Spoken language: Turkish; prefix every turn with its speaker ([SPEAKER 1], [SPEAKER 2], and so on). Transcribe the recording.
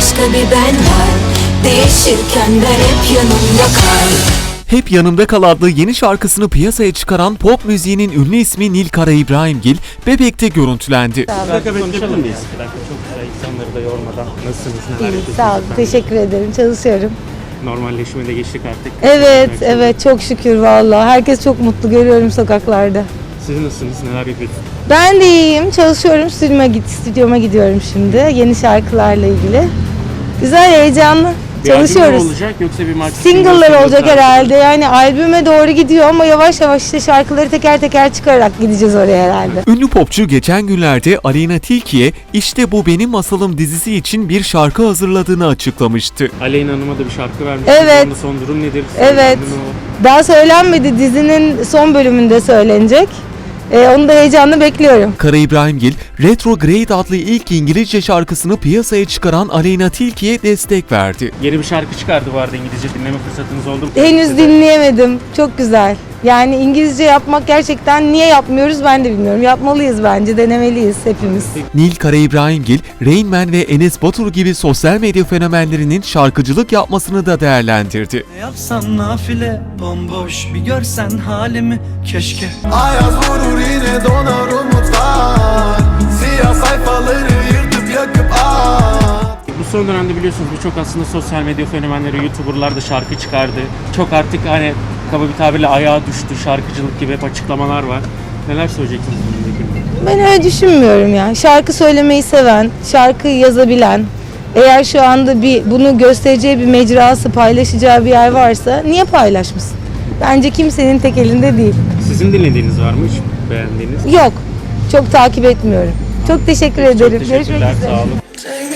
[SPEAKER 1] başka bir ben var. Değişirken ben hep yanımda kal.
[SPEAKER 2] Hep Yanımda Kal adlı yeni şarkısını piyasaya çıkaran pop müziğinin ünlü ismi Nil Karaibrahimgil, Bebek'te görüntülendi.
[SPEAKER 3] Bir dakika konuşalım mıyız? Bir dakika, çok güzel, insanları da yormadan. Nasılsınız? Neler yapıyorsunuz?
[SPEAKER 4] Sağ olun, teşekkür ederim. Çalışıyorum.
[SPEAKER 3] Normalleşmeye de geçtik artık.
[SPEAKER 4] Evet, çok şükür vallahi. Herkes çok mutlu, görüyorum sokaklarda.
[SPEAKER 3] Siz nasılsınız? Neler yapıyorsunuz?
[SPEAKER 4] Ben de iyiyim, çalışıyorum. Stüdyoma gidiyorum şimdi. Yeni şarkılarla ilgili. Güzel, heyecanlı.
[SPEAKER 3] Bir albüm mü
[SPEAKER 4] Çalışıyoruz.
[SPEAKER 3] olacak yoksa bir marketing?
[SPEAKER 4] Single'lar olacak herhalde. Yani albüme doğru gidiyor ama yavaş yavaş işte şarkıları teker teker çıkararak gideceğiz oraya herhalde.
[SPEAKER 2] Ünlü popçu geçen günlerde Aleyna Tilki'ye "İşte Bu Benim Masalım" dizisi için bir şarkı hazırladığını açıklamıştı.
[SPEAKER 3] Aleyna Hanım'a da bir şarkı vermiş.
[SPEAKER 4] Evet.
[SPEAKER 3] Onun son durum nedir?
[SPEAKER 4] Evet.
[SPEAKER 3] Söylendi mi o?
[SPEAKER 4] Daha söylenmedi, dizinin son bölümünde söylenecek. Onu da heyecanla bekliyorum.
[SPEAKER 2] Karaibrahimgil, Retrograde adlı ilk İngilizce şarkısını piyasaya çıkaran Aleyna Tilki'ye destek verdi.
[SPEAKER 3] Yeni bir şarkı çıkardı bu arada, İngilizce dinleme fırsatınız oldu mu?
[SPEAKER 4] Henüz dinleyemedim. Çok güzel. Yani İngilizce yapmak gerçekten niye yapmıyoruz ben de bilmiyorum. Yapmalıyız bence, denemeliyiz hepimiz.
[SPEAKER 2] Nil Karaibrahimgil, Rain Man ve Enes Batur gibi sosyal medya fenomenlerinin şarkıcılık yapmasını da değerlendirdi.
[SPEAKER 5] Ne yapsam nafile bomboş bir görsen halimi keşke.
[SPEAKER 6] Ayaz vurur yine donar umutlar. Siyah sayfaları yırtıp yakıp
[SPEAKER 3] Bu son dönemde biliyorsunuz birçok aslında sosyal medya fenomenleri, YouTuber'lar da şarkı çıkardı. Çok artık hani kaba bir tabirle ayağa düştü, şarkıcılık gibi hep açıklamalar var. Neler söyleyeceksiniz bununla ilgili?
[SPEAKER 4] Ben öyle düşünmüyorum ya. Şarkı söylemeyi seven, şarkı yazabilen, eğer şu anda bunu göstereceği bir mecrası, paylaşacağı bir yer varsa niye paylaşmasın? Bence kimsenin tek elinde değil.
[SPEAKER 3] Sizin dinlediğiniz var mı hiç beğendiğiniz?
[SPEAKER 4] Yok, çok takip etmiyorum. Çok teşekkür
[SPEAKER 3] Çok
[SPEAKER 4] ederim.
[SPEAKER 3] teşekkürler, sağ olun.
[SPEAKER 6] Take